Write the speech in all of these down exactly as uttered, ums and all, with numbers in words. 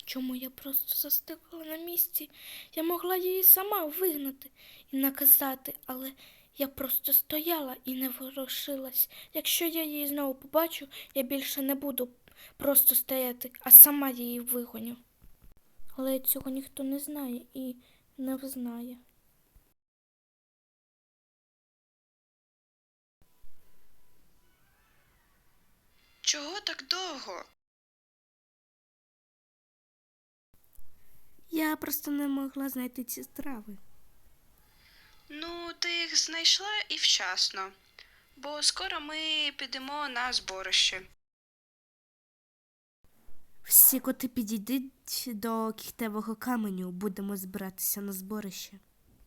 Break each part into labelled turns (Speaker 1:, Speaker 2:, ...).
Speaker 1: Чому я просто застигла на місці? Я могла її сама вигнати і наказати, але я просто стояла і не ворушилась. Якщо я її знову побачу, я більше не буду просто стояти, а сама її вигоню. Але цього ніхто не знає і не взнає.
Speaker 2: Чого так довго?
Speaker 1: Я просто не могла знайти ці страви.
Speaker 2: Ну, ти їх знайшла і вчасно, бо скоро ми підемо на зборище.
Speaker 1: Всі коти підійдуть до кіхтевого каменю, будемо збиратися на зборище.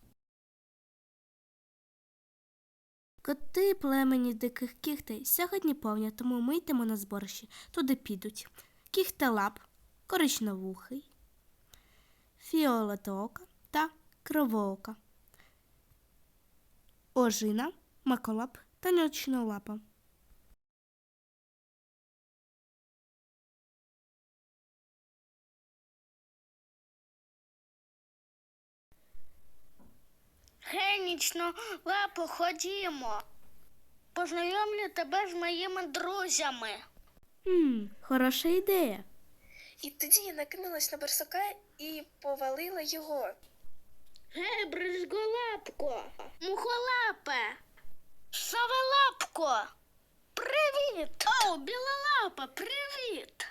Speaker 1: Коти племені диких кіхтей сьогодні повня, тому ми йдемо на зборище. Туди підуть кіхтелап, коричневухий, фіолетоока та кривоока, ожина, маколап та ночнолапа.
Speaker 3: Гей, нічно лапо, ходімо. Познайомлю тебе з моїми друзями.
Speaker 1: Хм, хороша ідея.
Speaker 4: І тоді я накинулась на барсука і повалила його.
Speaker 3: Гей, бризголапко, мухолапе, совелапко, привіт. О, білолапа, привіт.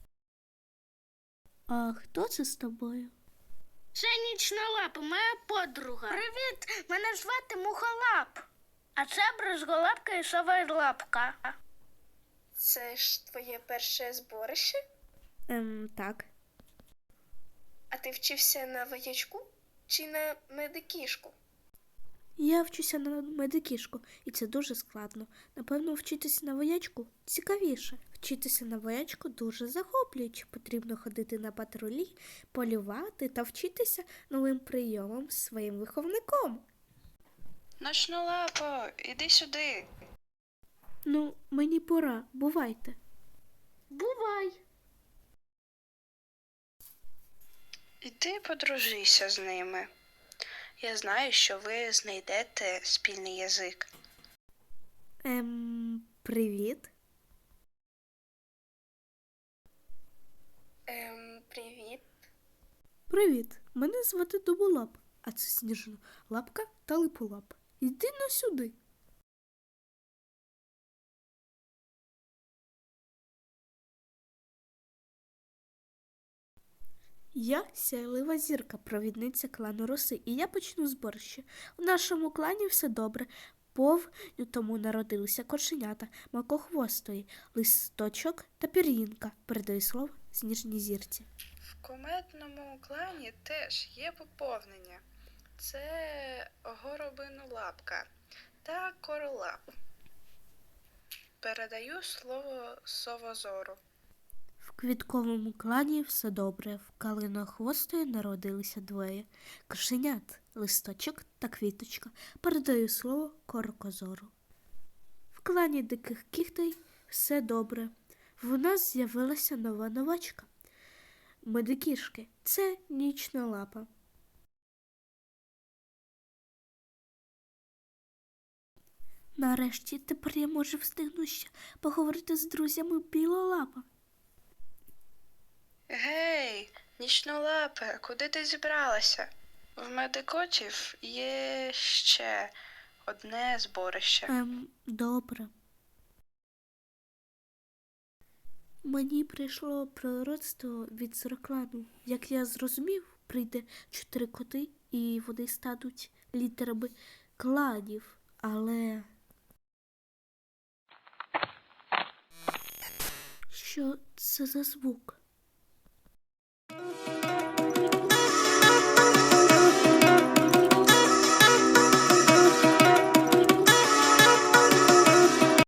Speaker 1: А хто це з тобою?
Speaker 3: Це нічна лапа, моя подруга. Привіт, мене звати Мухолап. А це бризголапка і совелапка.
Speaker 4: Це ж твоє перше зборище?
Speaker 1: Ем, так.
Speaker 4: А ти вчився на воячку чи на медикішку?
Speaker 1: Я вчуся на медикішку, і це дуже складно. Напевно, вчитися на воячку цікавіше. Вчитися на воячку дуже захоплююче. Потрібно ходити на патрулі, полювати та вчитися новим прийомам з своїм виховником.
Speaker 2: Ночнолапо, іди сюди.
Speaker 1: Ну, мені пора. Бувайте.
Speaker 3: Бувай.
Speaker 2: Іди подружися з ними. Я знаю, що ви знайдете спільний язик.
Speaker 1: Ем, привіт.
Speaker 4: Ем, привіт.
Speaker 1: Привіт. Мене звати Дуболап, а це Сніжна лапка та Липолап. Йди на сюди. Я сяйлива зірка, провідниця клану Роси, і я почну зборище. У нашому клані все добре. Повню тому народилися кошенята, макохвостої, листочок та пір'їнка. Передаю слово Сніжній зірці.
Speaker 2: В кумедному клані теж є поповнення. Це горобинолапка та королап. Передаю слово совозору.
Speaker 1: В квітковому клані все добре. В калинохвостої народилися двоє кошенят, листочок та квіточка. Передаю слово Коркозору. В клані диких кіхтей все добре. В нас з'явилася нова новачка. Медикішки. Це нічна лапа. Нарешті тепер я можу встигнути ще поговорити з друзями білолапа.
Speaker 2: Гей, нічнолапе, куди ти зібралася? В медикотів є ще одне зборище.
Speaker 1: Ем, добре. Мені прийшло пророцтво від зороклану. Як я зрозумів, прийде чотири коти, і вони стануть літерами кланів. Але... Що це за звук?